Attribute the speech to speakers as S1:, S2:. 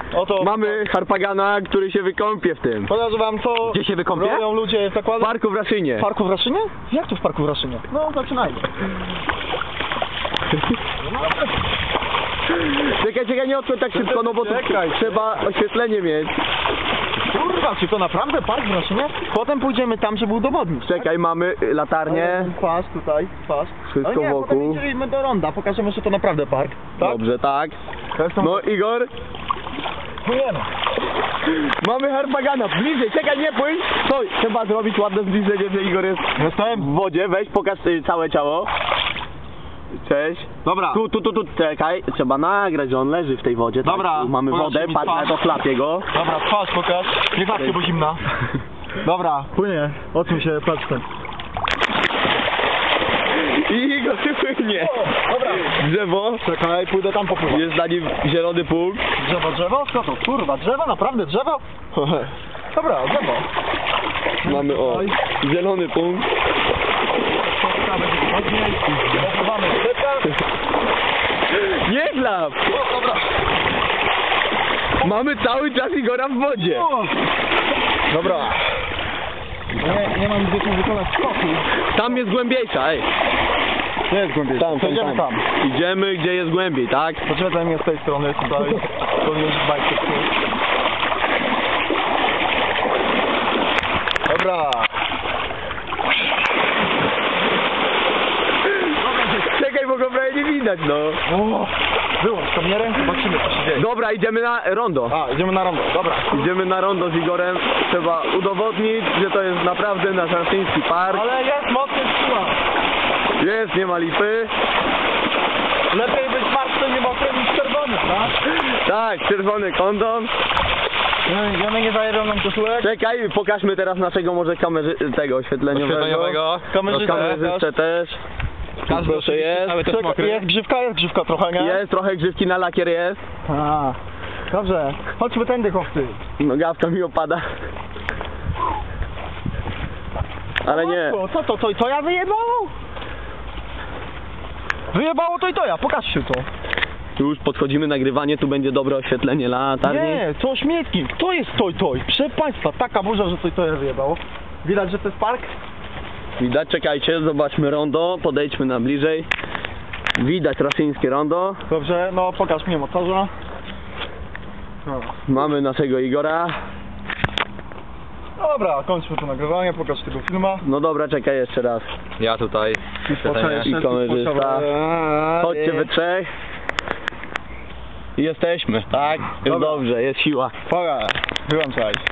S1: Oto
S2: Mamy Harpagana, który się wykąpie w tym.
S1: pokażę wam co
S2: Gdzie się wykąpie?
S1: robią ludzie w
S2: W
S1: zakładach.
S2: parku w Raszynie.
S1: W parku w Raszynie? Jak to w parku w Raszynie? No zaczynajmy.
S2: Czekaj, nie odkąd tak szybko, no bo tu
S1: Czekaj.
S2: trzeba oświetlenie mieć.
S1: Kurwa, czy to naprawdę park w Raszynie? Potem pójdziemy tam, żeby udowodnić.
S2: Czekaj, mamy latarnię.
S1: Pas tutaj, pas.
S2: Wszystko
S1: Ale nie,
S2: wokół.
S1: potem idziemy do ronda, pokażemy, że to naprawdę park. Tak?
S2: Dobrze, tak. No Igor,
S1: Płyniemy.
S2: mamy Harpagana. Bliżej, czekaj, nie płyń. Stój, trzeba zrobić ładne zbliżenie, że Igor jest
S1: Jestem.
S2: w wodzie. Weź, pokaż całe ciało. Cześć.
S1: Dobra.
S2: Tu, czekaj. Trzeba nagrać, że on leży w tej wodzie. Tak?
S1: Dobra,
S2: Tu mamy
S1: pokaż
S2: wodę,
S1: mi
S2: patrz na
S1: twarz.
S2: to, chlapię go.
S1: Dobra, twarz pokaż. Nie klatkę, bo zimna. Dobra, płynie. Odsuń się, patrzę.
S2: I Igor płynie.
S1: Dobra.
S2: Drzewo.
S1: Czekaj, pójdę tam popłynąć.
S2: Jest na nim zielony punkt.
S1: Drzewo? Co to? Kurwa, drzewo? Naprawdę drzewo? Dobra, drzewo.
S2: Mamy zielony punkt. Nie chlap!
S1: Dobra.
S2: Mamy cały czas Igora w wodzie.
S1: Dobra. Nie mam gdzie tu wykonać skoku.
S2: Tam jest głębiejsza, ej.
S1: Nie jest głębiej.
S2: Tam.
S1: Idziemy tam.
S2: Idziemy gdzie jest głębiej, tak?
S1: Poczekaj mnie z tej strony tutaj. To już bajkę. Dobra.
S2: Czekaj, bo go prawie nie widać, no.
S1: Wyłącz kamerę, zobaczymy co się dzieje.
S2: Dobra, idziemy na rondo.
S1: A, idziemy na rondo, dobra.
S2: Idziemy na rondo z Igorem. Trzeba udowodnić, że to jest naprawdę nasz raszyński park.
S1: Ale jest mocny siła.
S2: Jest, nie ma lipy.
S1: Lepiej być martwy nie mokry niż czerwony, tak?
S2: Tak, czerwony kondom.
S1: Idziemy nie zajebią nam koszulek.
S2: Czekaj, pokażmy teraz naszego może tego oświetleniowego. Kamerzystę też. Proszę, jest.
S1: Jest grzywka trochę, nie?
S2: Jest, trochę grzywki na lakier jest.
S1: A, dobrze. Chodźmy tędy, chłopcy.
S2: Nogawka mi opada. Ale nie.
S1: Co to ja wyjebało? Wyjebało to ja, pokażcie to.
S2: Tu już podchodzimy nagrywanie, tu będzie dobre oświetlenie latarni.
S1: Nie, to śmietnik. To jest toj. Proszę państwa, taka burza, że to ja wyjebało. Widać, że to jest park?
S2: Widać, czekajcie, zobaczmy rondo, podejdźmy na bliżej. Widać raszyńskie rondo.
S1: Dobrze, no pokaż mi motorza. No.
S2: Mamy naszego Igora.
S1: Dobra, kończmy to nagrywanie, pokaż tego filma.
S2: No dobra, czekaj jeszcze raz.
S3: Ja tutaj.
S2: I kamerzysta. Chodźcie we trzech. Jesteśmy, tak? Jest
S1: Dobra.
S2: dobrze, jest siła.
S1: Wyłączaj.